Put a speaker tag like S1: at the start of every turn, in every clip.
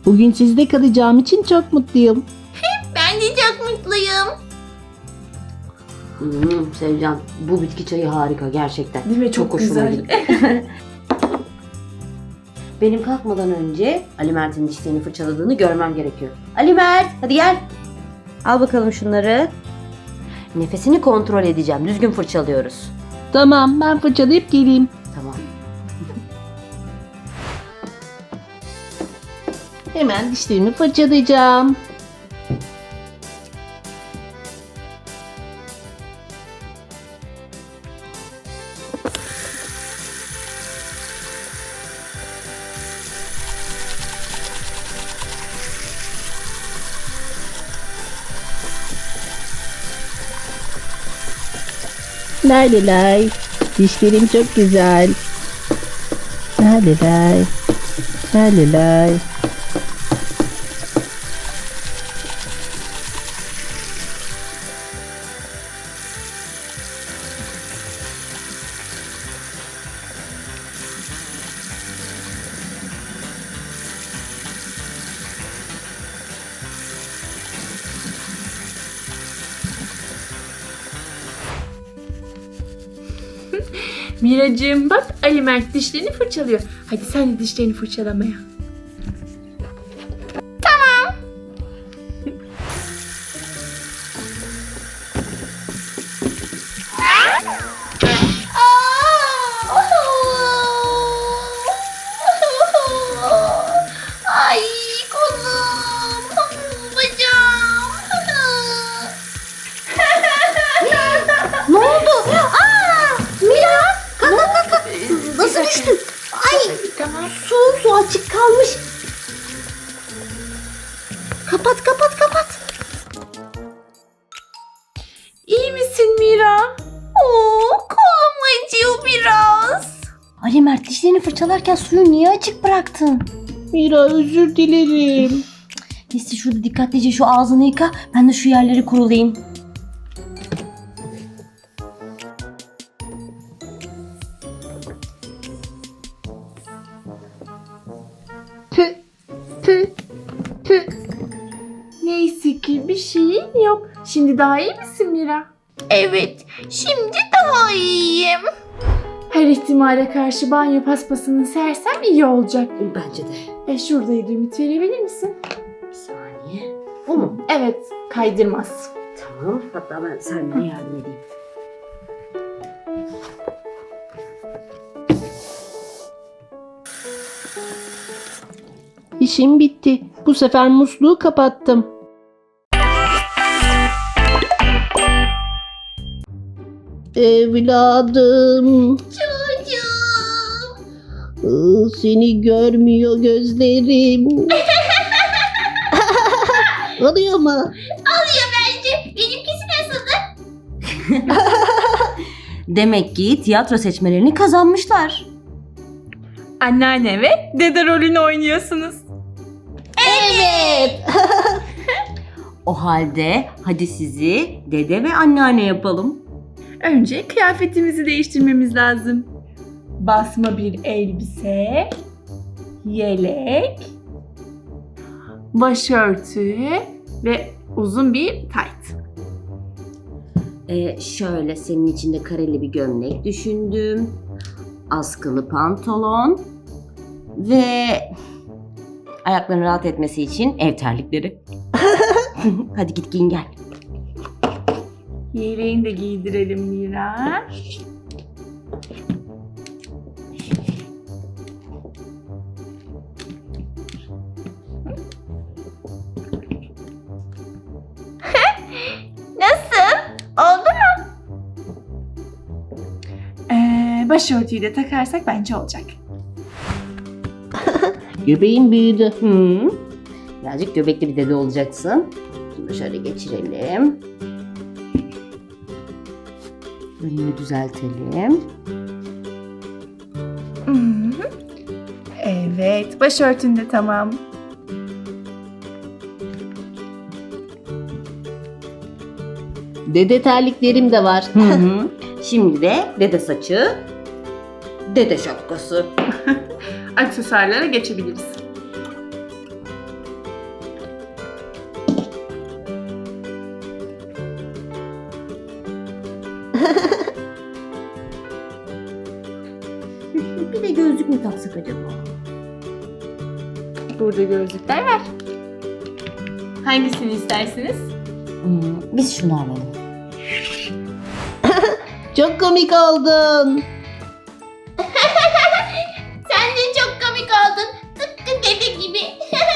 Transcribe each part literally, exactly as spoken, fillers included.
S1: Bugün sizde kalacağım için çok mutluyum.
S2: Ben de çok mutluyum.
S3: Hmm, Sevcan, bu bitki çayı harika gerçekten.
S2: Değil mi? Çok
S3: hoşuma
S2: güzel.
S3: gitti. Benim kalkmadan önce Ali Mert'in dişlerini fırçaladığını görmem gerekiyor. Ali Mert, hadi gel. Al bakalım şunları. Nefesini kontrol edeceğim. Düzgün fırçalıyoruz.
S1: Tamam, ben fırçalayıp geleyim.
S3: Tamam.
S1: Hemen dişlerimi fırçalayacağım. Lay lay lay. Dişlerim çok güzel. Lay lay lay. Lay lay lay.
S2: Miracığım bak, Ali Mert dişlerini fırçalıyor. Hadi sen de dişlerini fırçalamaya.
S4: Ay kolum, bacağım.
S3: Ne oldu?
S4: Aa, Mira, kalk kalk kalk, kalk. Nasıl düştün? Ay,
S2: Tamam.
S4: su su açık kalmış. Kapat kapat kapat.
S2: İyi misin Mira?
S4: Oo, kolum acıyor biraz.
S3: Ali Mert, dişlerini fırçalarken suyu niye açık bıraktın?
S1: Mira, özür dilerim.
S3: Neyse, şurada dikkatlice şu ağzını yıka. Ben de şu yerleri kurulayayım.
S1: Tüh, tüh, tüh.
S2: Neyse ki bir şeyin yok. Şimdi daha iyi misin Mira?
S4: Evet, şimdi daha iyiyim.
S2: Her ihtimale karşı banyo paspasını sersem iyi olacak.
S3: Bence de.
S2: E şuradaydı, ümit verebilir misin?
S3: Bir saniye. Bu mu?
S2: Evet, kaydırmaz.
S3: Tamam. Hatta ben Selma'ya yardım edeyim.
S1: İşim bitti. Bu sefer musluğu kapattım. Evladım,
S4: Çocuğum.
S1: ıı, seni görmüyor gözlerim. Oluyor mu?
S4: Alıyor bence. Benimkisi nasıldı?
S3: Demek ki tiyatro seçmelerini kazanmışlar.
S2: Anneanne ve dede rolünü oynuyorsunuz.
S4: Evet.
S3: O halde hadi sizi dede ve anneanne yapalım.
S2: Önce kıyafetimizi değiştirmemiz lazım. Basma bir elbise, yelek, başörtü ve uzun bir tayt.
S3: Ee, şöyle senin içinde kareli bir gömlek düşündüm. Askılı pantolon ve ayakların rahat etmesi için ev terlikleri. Hadi git giyin gel.
S2: Yeleğini de giydirelim Mira.
S4: Nasıl? Oldu mu?
S2: Ee, başörtüyü de takarsak bence olacak.
S1: Göbeğin büyüdü.
S3: Hı. Birazcık göbekli bir dede olacaksın. Bunu şöyle geçirelim. Önünü düzeltelim.
S2: Hı hı. Evet, başörtün de tamam.
S1: Dede terliklerim de var.
S3: Hı hı. Şimdi de dede saçı, dede şapkası.
S2: Aksesuarlara geçebiliriz.
S3: Bir de gözlük mü taksak acaba?
S2: Burada gözlükler var. Hangisini istersiniz?
S3: Hmm, biz şunu alalım.
S1: Çok komik oldun.
S4: Sen de çok komik oldun. Tıpkı dede gibi.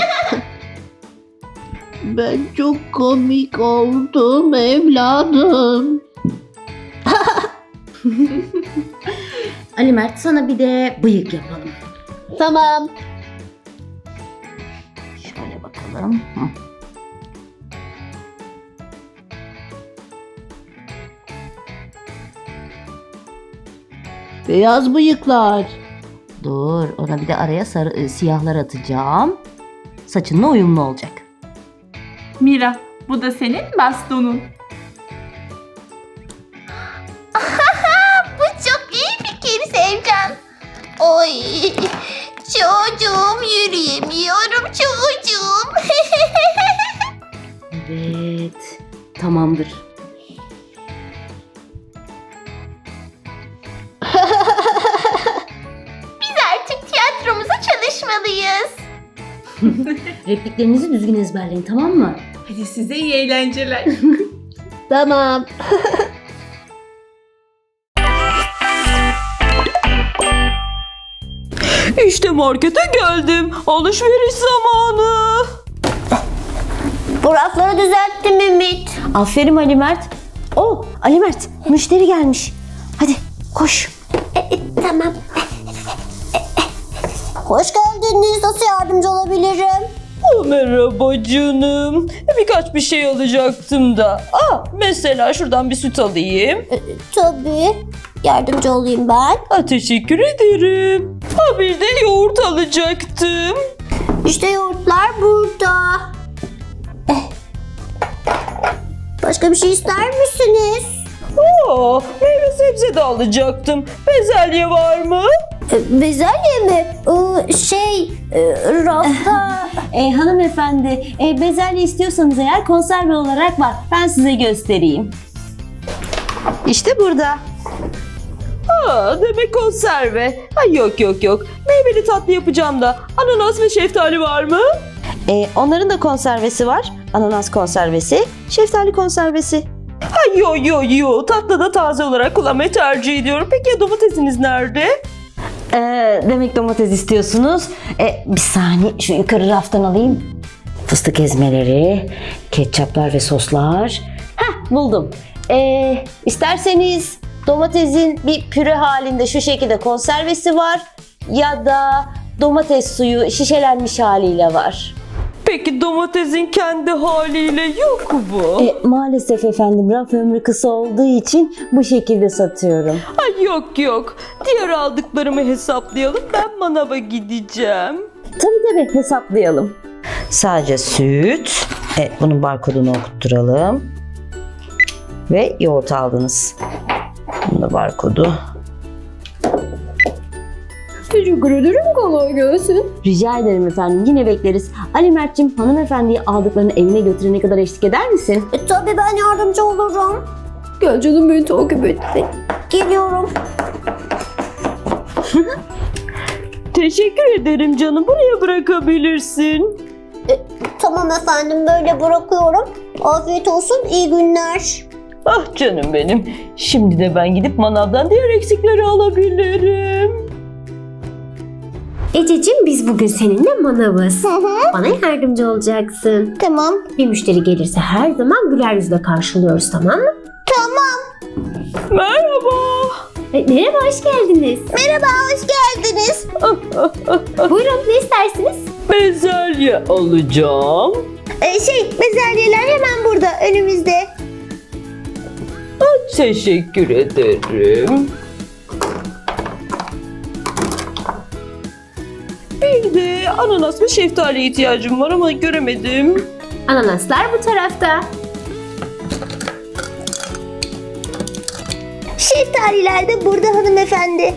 S1: Ben çok komik oldum evladım.
S3: Ali Mert, sana bir de bıyık yapalım.
S1: Tamam.
S3: Şöyle bakalım. Hı.
S1: Beyaz bıyıklar.
S3: Dur, ona bir de araya sarı, e, siyahlar atacağım. Saçınla uyumlu olacak.
S2: Mira, bu da senin bastonun.
S4: Bu çok iyi fikir Sevcan. Oy. Çocuğum, yürüyemiyorum çocuğum.
S3: Evet, tamamdır.
S4: Biz artık tiyatromuza çalışmalıyız.
S3: Repliklerinizi düzgün ezberleyin, tamam mı?
S2: Hadi size iyi eğlenceler.
S1: Tamam.
S5: İşte markete geldim. Alışveriş zamanı.
S4: Bu rafları düzelttim Ümit.
S3: Aferin Ali Mert. Oh, Ali Mert, müşteri gelmiş. Hadi koş.
S4: Tamam. Hoş geldiniz. Nasıl yardımcı olabilirim?
S5: Oh, merhaba canım. Birkaç bir şey alacaktım da. Aa, mesela şuradan bir süt alayım.
S4: Tabii. Yardımcı olayım ben.
S5: Aa, teşekkür ederim. Ha, bir de yoğurt alacaktım.
S4: İşte yoğurtlar burada. Eh. Başka bir şey ister misiniz?
S5: Aa, meyve sebze de alacaktım. Bezelye var mı?
S4: E, Bezelye mi? Ee, şey, e, rafta.
S3: E, hanımefendi, e, bezelye istiyorsanız eğer konserve olarak var. Ben size göstereyim. İşte burada.
S5: Aa, demek konserve. Ha, yok yok yok. Meyveli tatlı yapacağım da. Ananas ve şeftali var mı?
S3: E, onların da konservesi var. Ananas konservesi, şeftali konservesi.
S5: Ha, yo yo yo. Tatlı da taze olarak kullanmayı tercih ediyorum. Peki ya domatesiniz nerede?
S3: Ee, demek domates istiyorsunuz. Ee, bir saniye şu yukarı raftan alayım. Fıstık ezmeleri, ketçaplar ve soslar. Heh, buldum. Ee, isterseniz domatesin bir püre halinde şu şekilde konservesi var. Ya da domates suyu şişelenmiş haliyle var.
S5: Peki domatesin kendi haliyle yok mu?
S3: E, maalesef efendim, raf ömrü kısa olduğu için bu şekilde satıyorum.
S5: Ay yok yok. Diğer aldıklarımı hesaplayalım. Ben manava gideceğim.
S3: Tabii tabii, hesaplayalım. Sadece süt. E, bunun barkodunu okutturalım. Ve yoğurt aldınız. Bunun da barkodu.
S4: Teşekkür ederim. Kolay gelsin.
S3: Rica ederim efendim. Yine bekleriz. Ali Mert'cim, hanımefendiyi aldıklarını evine götürene kadar eşlik eder misin?
S4: E, tabii ben yardımcı olurum. Gel canım, beni takip et. Geliyorum.
S5: Teşekkür ederim canım. Buraya bırakabilirsin.
S4: Tamam efendim, böyle bırakıyorum. Afiyet olsun, iyi günler.
S5: Ah canım benim. Şimdi de ben gidip manavdan diğer eksikleri alabilirim.
S6: Ececiğim, biz bugün seninle manavız. Bana yardımcı olacaksın.
S4: Tamam.
S6: Bir müşteri gelirse her zaman güler yüzle karşılıyoruz, tamam mı?
S5: Merhaba.
S6: E, merhaba, hoş geldiniz.
S4: Merhaba, hoş geldiniz.
S6: Buyurun, ne istersiniz?
S5: Bezelye alacağım.
S4: Ee, şey, bezelyeler hemen burada, önümüzde.
S5: Teşekkür ederim. Bir de ananas ve şeftaliye ihtiyacım var ama göremedim.
S6: Ananaslar bu tarafta.
S4: Şeftaliler de burada hanımefendi.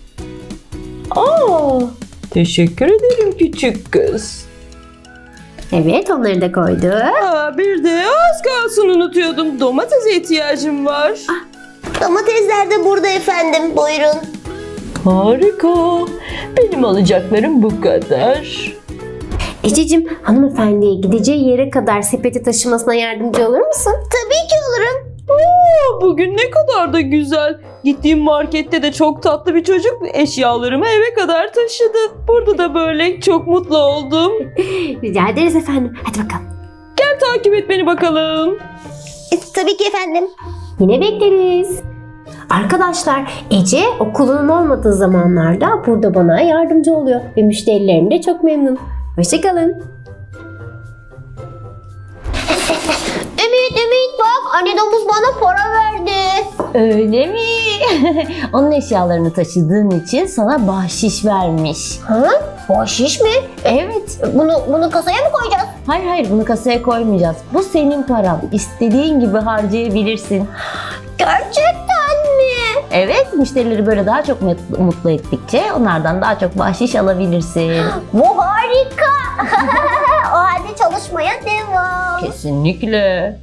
S5: Aa, teşekkür ederim küçük kız.
S6: Evet, onları da koyduk.
S5: Aa, bir de az kalsın unutuyordum. Domatese ihtiyacım var.
S4: Domatesler de burada efendim, buyurun.
S5: Harika. Benim alacaklarım bu kadar.
S6: Ececiğim, hanımefendiye gideceği yere kadar sepeti taşımasına yardımcı olur musun?
S4: Tabii ki olurum.
S5: Aa, bugün ne kadar da güzel. Gittiğim markette de çok tatlı bir çocuk eşyalarımı eve kadar taşıdı. Burada da böyle çok mutlu oldum.
S6: Rica ederiz efendim. Hadi bakalım.
S5: Gel takip et beni bakalım.
S4: E, tabii ki efendim.
S6: Yine bekleriz. Arkadaşlar, Ece okulunun olmadığı zamanlarda burada bana yardımcı oluyor ve müşterilerim de çok memnun. Hoşçakalın.
S4: Ümit Ümit bak anne domuz bana para verdi.
S3: Öyle mi? Onun eşyalarını taşıdığın için sana bahşiş vermiş.
S4: Ha? Bahşiş mi?
S3: Evet.
S4: Bunu bunu kasaya mı koyacağız?
S3: Hayır hayır, bunu kasaya koymayacağız. Bu senin paran. İstediğin gibi harcayabilirsin.
S4: Gerçekten mi?
S3: Evet, müşterileri böyle daha çok mutlu, mutlu ettikçe onlardan daha çok bahşiş alabilirsin.
S4: Bu harika. O halde çalışmaya devam.
S3: Kesinlikle.